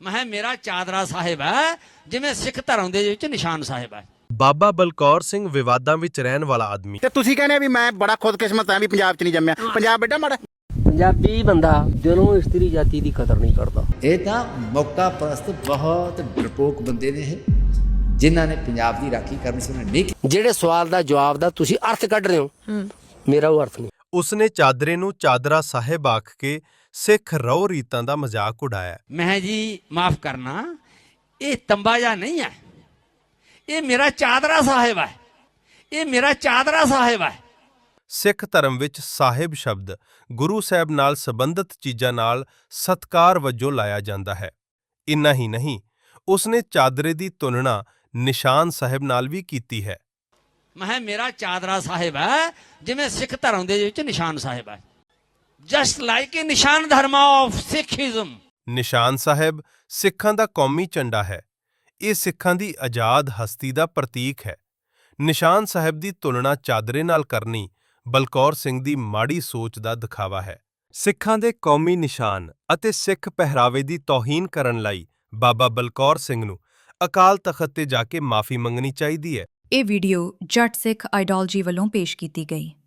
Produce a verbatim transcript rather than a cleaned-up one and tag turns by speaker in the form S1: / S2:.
S1: ਮੈਂ ਮੇਰਾ ਚਾਦਰਾ ਸਾਹਿਬ ਹੈ ਜਿਵੇਂ ਸਿੱਖ ਧਰਮ ਦੇ ਵਿੱਚ ਨਿਸ਼ਾਨ ਸਾਹਿਬ ਹੈ।
S2: ਬਾਬਾ ਬਲਕੌਰ ਸਿੰਘ ਵਿਵਾਦਾਂ ਵਿੱਚ ਰਹਿਣ ਵਾਲਾ ਆਦਮੀ।
S3: ਤੇ ਤੁਸੀਂ ਕਹਿੰਦੇ ਵੀ ਮੈਂ ਬੜਾ ਖੁਦਕਿਸਮਤ ਹਾਂ ਵੀ ਪੰਜਾਬ 'ਚ ਨਹੀਂ ਜੰਮਿਆ। ਪੰਜਾਬ ਐਡਾ ਮਾੜਾ?
S4: ਪੰਜਾਬੀ ਬੰਦਾ ਦਿਲੋਂ ਇਸਤਰੀ ਜਾਤੀ ਦੀ ਕਦਰ ਨਹੀਂ ਕਰਦਾ।
S5: ਇਹ ਤਾਂ ਮੌਕਾ ਪ੍ਰਸਤ ਬਹੁਤ ਡਰਪੋਕ ਬੰਦੇ ਨੇ ਇਹ, ਜਿਨ੍ਹਾਂ ਨੇ ਪੰਜਾਬ ਦੀ ਰਾਖੀ ਕਰਨੀ ਸੀ ਉਹਨੇ ਨਹੀਂ।
S4: ਜਿਹੜੇ ਸਵਾਲ ਦਾ ਜਵਾਬ ਦਾ ਤੁਸੀਂ ਅਰਥ ਕੱਢ ਰਹੇ ਹੋ, ਮੇਰਾ ਉਹ ਅਰਥ ਨਹੀਂ।
S2: ਉਸਨੇ ਚਾਦਰੇ ਨੂੰ ਚਾਦਰਾ ਸਾਹਿਬ ਆਖ ਕੇ ਸਿੱਖ ਰਹੁ ਰੀਤਾਂ ਦਾ ਮਜ਼ਾਕ ਉਡਾਇਆ।
S1: ਮੈਂ ਜੀ ਮਾਫ ਕਰਨਾ, ਇਹ ਤੰਬਾ ਜਿਹਾ ਨਹੀਂ ਹੈ, ਇਹ ਮੇਰਾ ਚਾਦਰਾ ਸਾਹਿਬ ਹੈ, ਇਹ ਮੇਰਾ ਚਾਦਰਾ ਸਾਹਿਬ ਹੈ।
S2: ਸਿੱਖ ਧਰਮ ਵਿੱਚ ਸਾਹਿਬ ਸ਼ਬਦ ਗੁਰੂ ਸਾਹਿਬ ਨਾਲ ਸੰਬੰਧਿਤ ਚੀਜ਼ਾਂ ਨਾਲ ਸਤਕਾਰ ਵਜੋਂ ਲਾਇਆ ਜਾਂਦਾ ਹੈ। ਇੰਨਾ ਹੀ ਨਹੀਂ, ਉਸਨੇ ਚਾਦਰੇ ਦੀ ਤੁਲਨਾ ਨਿਸ਼ਾਨ ਸਾਹਿਬ ਨਾਲ ਵੀ ਕੀਤੀ ਹੈ।
S1: ਮੈਂ ਮੇਰਾ ਚਾਦਰਾ ਸਾਹਿਬ ਹੈ ਜਿਵੇਂ ਸਿੱਖ ਧਰਮ ਦੇ ਵਿੱਚ ਨਿਸ਼ਾਨ ਸਾਹਿਬ ਹੈ। ਜਸਟ ਲਾਈਕ ਏ ਨਿਸ਼ਾਨ ਧਰਮ ਆਫ ਸਿੱਖੀਜ਼ਮ।
S2: ਨਿਸ਼ਾਨ ਸਾਹਿਬ ਸਿੱਖਾਂ ਦਾ ਕੌਮੀ ਝੰਡਾ ਹੈ। ਇਹ ਸਿੱਖਾਂ ਦੀ ਆਜ਼ਾਦ ਹਸਤੀ ਦਾ ਪ੍ਰਤੀਕ ਹੈ। ਨਿਸ਼ਾਨ ਸਾਹਿਬ ਦੀ ਤੁਲਨਾ ਚਾਦਰੇ ਨਾਲ ਕਰਨੀ ਬਲਕੌਰ ਸਿੰਘ ਦੀ ਮਾੜੀ ਸੋਚ ਦਾ ਦਿਖਾਵਾ ਹੈ। ਸਿੱਖਾਂ ਦੇ ਕੌਮੀ ਨਿਸ਼ਾਨ ਅਤੇ ਸਿੱਖ ਪਹਿਰਾਵੇ ਦੀ ਤੌਹੀਨ ਕਰਨ ਲਈ ਬਾਬਾ ਬਲਕੌਰ ਸਿੰਘ ਨੂੰ ਅਕਾਲ ਤਖਤ ਤੇ ਜਾ ਕੇ ਮਾਫੀ ਮੰਗਣੀ ਚਾਹੀਦੀ ਹੈ।
S6: ਇਹ ਵੀਡੀਓ ਜੱਟ ਸਿੱਖ ਆਈਡੀਓਲੋਜੀ ਵੱਲੋਂ ਪੇਸ਼ ਕੀਤੀ ਗਈ।